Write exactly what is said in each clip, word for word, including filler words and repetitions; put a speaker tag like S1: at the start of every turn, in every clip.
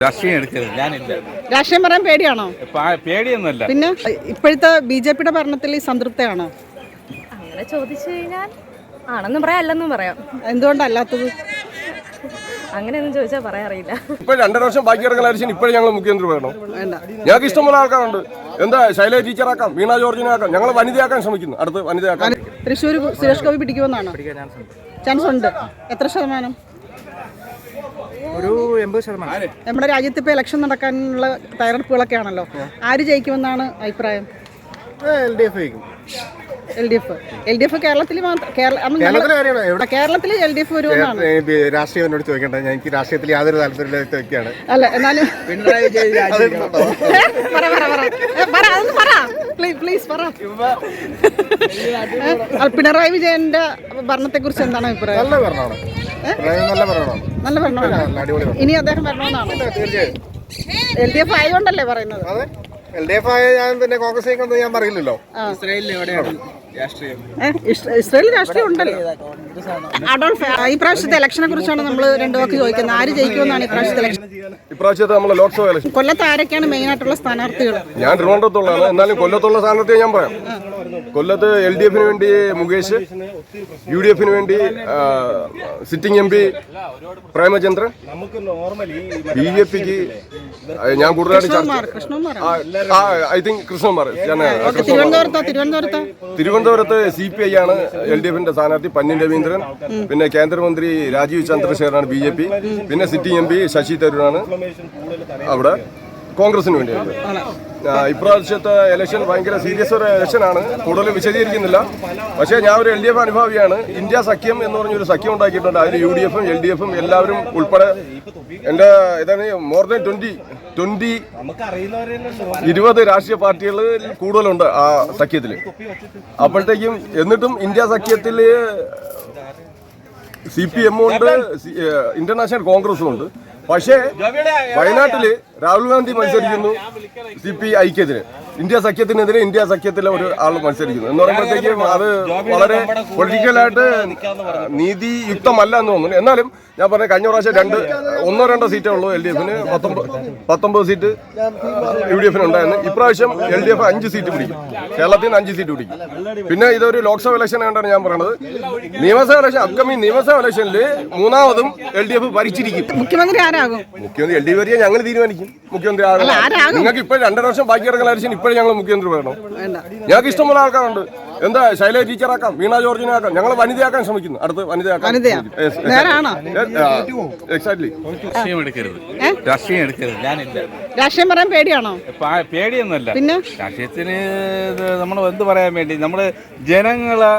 S1: രാഷ്ട്രീയം എടുക്കരുത്, ഞാനില്ല.
S2: രാഷ്ട്രീയം പറയാൻ പേടിയാണോ?
S1: പേടിയൊന്നുമല്ല.
S2: പിന്നെ ഇപ്പോഴത്തെ ബി ജെ പിയുടെ ഭരണത്തിൽ സംതൃപ്തയാണോ?
S3: അങ്ങനെ ചോദിച്ചു കഴിഞ്ഞാൽ ആണെന്നും പറയാം അല്ലെന്നും പറയാം.
S2: എന്തുകൊണ്ടല്ലാത്തത്?
S3: അങ്ങനെയൊന്നും ചോദിച്ചാൽ പറയാറിയില്ല.
S4: ഇപ്പൊ രണ്ടര വർഷം ബാക്കി കിടക്കുന്ന ഇപ്പോഴും ഞങ്ങൾ മുഖ്യമന്ത്രി വേണം. ഞങ്ങൾക്ക് ഇഷ്ടംപോലെ ആൾക്കാരുണ്ട്. എന്താ ശൈലജ ടീച്ചറാക്കാം, വീണ ജോർജിനെ ആക്കാം, ഞങ്ങൾ വനിതയാക്കാൻ ശ്രമിക്കുന്നു. അടുത്ത് വനിതയാക്കാൻ
S2: തൃശ്ശൂർ സുരേഷ് ഗോപി പിടിക്കുമെന്നാണോ? ചാൻസ് ഉണ്ട്. എത്ര ശതമാനം?
S5: ഒരു എൺപത് ശതമാനം.
S2: നമ്മുടെ രാജ്യത്ത് ഇപ്പോൾ ഇലക്ഷൻ നടക്കാനുള്ള തയ്യാറെടുപ്പുകളൊക്കെ ആണല്ലോ. ആര് ജയിക്കുമെന്നാണ് അഭിപ്രായം?
S5: എൽ ഡി എഫ് ജയിക്കും.
S2: L D F L D F കേരളത്തിൽ കേരളത്തിൽ എൽ ഡി എഫ് വരുമെന്നാണ്.
S5: രാഷ്ട്രീയം എന്നോട് ചോദിക്കട്ടെ, എനിക്ക് രാഷ്ട്രീയത്തിൽ യാതൊരു താല്പര്യമില്ലാത്ത വ്യക്തിയാണ്.
S2: അല്ല എന്നാലും പിണറായി വിജയന്റെ ഭരണത്തെ കുറിച്ച് എന്താണ് അഭിപ്രായം?
S5: നല്ല ഭരണമാണ്, നല്ല ഭരണമാണ്,
S2: നല്ല ഭരണമാണ്. ഇനി അദ്ദേഹം വരണമെന്നാണ്.
S5: തീർച്ചയായും
S2: എൽ ഡി എഫ് ആയതുകൊണ്ടല്ലേ പറയുന്നത്?
S5: അതെ, എൽ ഡി എഫ് ആയ ഞാൻ പിന്നെ കോൺഗ്രസ് ജയിക്കണമെന്ന് ഞാൻ പറയില്ലല്ലോ.
S2: ഇസ്രായേൽ രാഷ്ട്രീയം ഉണ്ടല്ലോ. അഡോൾഫ്, ഈ പ്രാവശ്യത്തെ ഇലക്ഷനെ കുറിച്ചാണ് നമ്മൾ രണ്ടു വാക്ക് ചോദിക്കുന്നത്. ആര് ജയിക്കുമെന്നാണ് ഈ പ്രാവശ്യത്തെ ഇലക്ഷൻ?
S4: ഇപ്രാവശ്യത്തെ നമ്മളെ ലോക്സഭ ഇലക്ഷൻ
S2: കൊല്ലത്ത് ആരൊക്കെയാണ് മെയിൻ ആയിട്ടുള്ള സ്ഥാനാർത്ഥികൾ?
S4: ഞാൻ തിരുവനന്തപുരത്തുള്ളതാണ്. എന്നാലും കൊല്ലത്തുള്ള സ്ഥാനാർത്ഥിയെ ഞാൻ പറയാം. കൊല്ലത്ത് എൽ ഡി എഫിന് വേണ്ടി മുകേഷ്, യു ഡി എഫിന് വേണ്ടി sitting M P Premachandran, B J പിക്ക് ഞാൻ കൂടുതലായിട്ട് ഐ തിങ്ക് കൃഷ്ണകുമാർ. തിരുവനന്തപുരത്ത് സി പി ഐ ആണ് എൽ ഡി എഫിന്റെ സ്ഥാനാർത്ഥി പന്നിൻ രവീന്ദ്രൻ. പിന്നെ കേന്ദ്രമന്ത്രി രാജീവ് ചന്ദ്രശേഖറാണ് ബി ജെ പി. പിന്നെ സിറ്റിംഗ് എം പി ശശി തരൂരാണ് അവിടെ കോൺഗ്രസിന് വേണ്ടിയാണ്. ഇപ്രാവശ്യത്തെ ഇലക്ഷൻ ഭയങ്കര സീരിയസ് ഒരു ഇലക്ഷനാണ്. കൂടുതൽ വിശദീകരിക്കുന്നില്ല. പക്ഷേ ഞാൻ ഒരു എൽ ഡി എഫ് അനുഭാവിയാണ്. ഇന്ത്യ സഖ്യം എന്ന് പറഞ്ഞൊരു സഖ്യം ഉണ്ടാക്കിയിട്ടുണ്ട്. അതിൽ യു ഡി എഫും എൽ ഡി എഫും എല്ലാവരും ഉൾപ്പെടെ എൻ്റെ ഇതാണ് മോർ ദാൻ ട്വന്റി ട്വന്റി ഇരുപത് രാഷ്ട്രീയ പാർട്ടികൾ കൂടുതലുണ്ട് ആ സഖ്യത്തിൽ. അപ്പോഴത്തേക്കും എന്നിട്ടും ഇന്ത്യ സഖ്യത്തിൽ സി പി എമ്മും ഉണ്ട്, ഇന്റർനാഷണൽ കോൺഗ്രസും ഉണ്ട്. പക്ഷേ വയനാട്ടില് രാഹുൽ ഗാന്ധി മത്സരിക്കുന്നു സി പി ഐക്കെതിരെ, ഇന്ത്യ സഖ്യത്തിനെതിരെ ഇന്ത്യ സഖ്യത്തിലെ ഒരു ആൾ മത്സരിക്കുന്നു എന്ന് പറയുമ്പോഴത്തേക്കും അത് വളരെ പൊളിറ്റിക്കലായിട്ട് നീതിയുക്തമല്ല എന്ന് തോന്നുന്നു. എന്നാലും ഞാൻ പറഞ്ഞ കഴിഞ്ഞ പ്രാവശ്യം രണ്ട് ഒന്നോ രണ്ടോ സീറ്റേ ഉള്ളൂ എൽ ഡി എഫിന്, പത്തൊമ്പത് പത്തൊമ്പത് സീറ്റ് യു ഡി എഫിന് ഉണ്ടായിരുന്നു. ഇപ്രാവശ്യം എൽ ഡി എഫ് അഞ്ച് സീറ്റ് പിടിക്കും, കേരളത്തിൽ നിന്ന് അഞ്ച് സീറ്റ് പിടിക്കും. പിന്നെ ഇതൊരു ലോക്സഭ ഇലക്ഷൻ ആയിട്ടാണ് ഞാൻ പറയുന്നത്. നിയമസഭ ഇലക്ഷൻ, അപ്കമിങ് നിയമസഭ ഇലക്ഷനിൽ മൂന്നാമതും എൽ ഡി എഫ് ഭരിച്ചിരിക്കും.
S2: മുഖ്യമന്ത്രി ആരാകും?
S4: മുഖ്യമന്ത്രി എൽ ഡി എഫ് വരിക ഞങ്ങൾ തീരുമാനിക്കും. മുഖ്യമന്ത്രി ആകും. നിങ്ങൾക്ക് ഇപ്പോൾ രണ്ടര വർഷം ബാക്കി കിടക്കുന്ന ഇലക്ഷൻ ഇപ്പോഴും ഞങ്ങൾ മുഖ്യമന്ത്രി വേണം. ഞങ്ങൾക്ക് ഇഷ്ടംപോലെ ആൾക്കാരുണ്ട്. എന്താ ശൈലജ ടീച്ചറാക്കാം, വീണ ജോർജിനെ ആക്കാം, ഞങ്ങൾ വനിതയാക്കാൻ ശ്രമിക്കുന്നു. അടുത്ത് വനിതയാക്കാൻ എക്സാക്ട്ലി.
S1: രാഷ്ട്രീയം എടുക്കരുത്, രാഷ്ട്രീയം എടുക്കരുത്, ഞാനില്ല.
S2: രാഷ്ട്രീയം പറയാൻ പേടിയാണോ?
S1: പേടിയൊന്നുമല്ല.
S2: പിന്നെ
S1: രാഷ്ട്രീയത്തിന് നമ്മൾ എന്ത് പറയാൻ വേണ്ടി, നമ്മള് ജനങ്ങളെ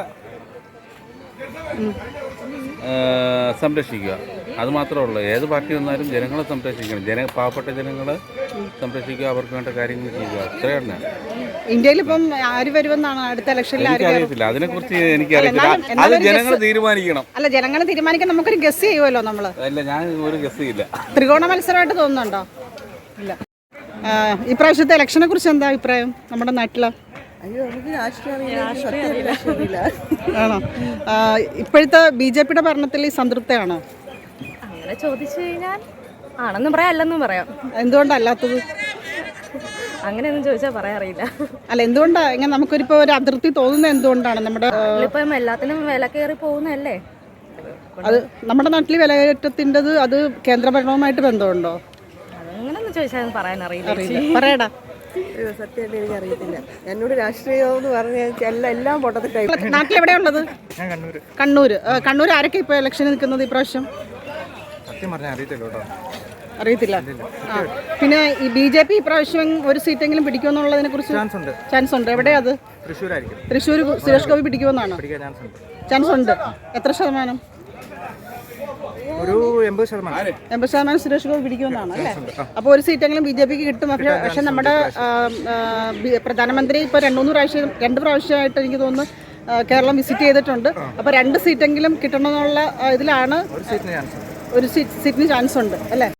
S1: സംരക്ഷിക്കുക, അത് മാത്രമേ ഉള്ളൂ. ഏത് പാർട്ടി വന്നാലും ജനങ്ങളെ സംരക്ഷിക്കണം, ജന പാവപ്പെട്ട ജനങ്ങളെ സംരക്ഷിക്കുക, അവർക്ക് വേണ്ട കാര്യങ്ങൾ ചെയ്യുക, അത്രയാണ്.
S2: ഇന്ത്യയിൽ ഇപ്പം ആര് വരുമെന്നാണ് അടുത്ത ഇലക്ഷനിൽ?
S1: അറിയത്തില്ല, അതിനെ കുറിച്ച് എനിക്കറിയില്ല. അത് ജനങ്ങൾ തീരുമാനിക്കണം.
S2: അല്ല, ജനങ്ങൾ തീരുമാനിക്കാൻ നമുക്കൊരു ഗസ് ചെയ്യുമല്ലോ നമ്മള്.
S1: അല്ല, ഞാൻ ഒരു ഗസ് ചെയ്യില്ല.
S2: ത്രികോണ മത്സരമായിട്ട് തോന്നുന്നുണ്ടോ? ഇല്ല. ഇപ്രാവശ്യത്തെ ഇലക്ഷനെ കുറിച്ച് എന്താ അഭിപ്രായം നമ്മുടെ നാട്ടില്? ആണോ? ഇപ്പോഴത്തെ ബി ജെ പിയുടെ ഭരണത്തിൽ സംതൃപ്തയാണോ?
S3: അങ്ങനെ ചോദിച്ചു കഴിഞ്ഞാൽ ആണെന്നും പറയാം അല്ലെന്നും പറയാം.
S2: എന്തുകൊണ്ടല്ലാത്തത്?
S3: അങ്ങനെയൊന്നും ചോദിച്ചാൽ പറയാറിയില്ല.
S2: അല്ല, എന്തുകൊണ്ടാ ഇങ്ങനെ നമുക്കൊരിപ്പോ ഒരു അതിർത്തി തോന്നുന്നത്? എന്തുകൊണ്ടാണ്? നമ്മുടെ
S3: ഇപ്പം എല്ലാത്തിനും വില കയറി പോകുന്നതല്ലേ.
S2: അത് നമ്മുടെ നാട്ടിൽ വിലകയറ്റത്തിൻ്റെത് അത് കേന്ദ്രഭരണവുമായിട്ട് ബന്ധമുണ്ടോ?
S3: അങ്ങനെയൊന്നും ചോദിച്ചാൽ പറയാൻ അറിയില്ല.
S2: പറയടാ.
S6: സത്യമായിട്ട് എനിക്ക് അറിയത്തില്ല. എന്നോട് രാഷ്ട്രീയം എന്ന് പറഞ്ഞാൽ എല്ലാം എല്ലാം പൊട്ടത്തിട്ടായി.
S2: നാട്ടിൽ എവിടെയാ ഉള്ളത്? കണ്ണൂര്. കണ്ണൂർ ആരൊക്കെ ഇപ്പൊ ഇലക്ഷന് നിൽക്കുന്നത് ഇപ്രാവശ്യം? അറിയത്തില്ല. ആ, പിന്നെ ഈ ബി ജെ പി ഇപ്രാവശ്യം ഒരു സീറ്റെങ്കിലും പിടിക്കുമെന്നുള്ളതിനെ കുറിച്ച് ചാൻസ് ഉണ്ട്. എവിടെയാ അത്? തൃശ്ശൂർ സുരേഷ് ഗോപി പിടിക്കുമെന്നാണോ? ചാൻസ് ഉണ്ട്. എത്ര ശതമാനം?
S5: ഒരു എൺപത് ശതമാനം.
S2: എൺപത് ശതമാനം സുരേഷ് ഗോപി പിടിക്കുമെന്നാണ് അല്ലേ? അപ്പോൾ ഒരു സീറ്റെങ്കിലും ബി ജെ പിക്ക് കിട്ടും. പക്ഷേ പക്ഷെ നമ്മുടെ പ്രധാനമന്ത്രി ഇപ്പോൾ രണ്ട് മൂന്ന് പ്രാവശ്യം രണ്ട് പ്രാവശ്യമായിട്ട് എനിക്ക് തോന്നുന്നു കേരളം വിസിറ്റ് ചെയ്തിട്ടുണ്ട്. അപ്പോൾ രണ്ട് സീറ്റെങ്കിലും കിട്ടണമെന്നുള്ള ഇതിലാണ്. ഒരു സീറ്റിന് ചാൻസ് ഉണ്ട് അല്ലേ?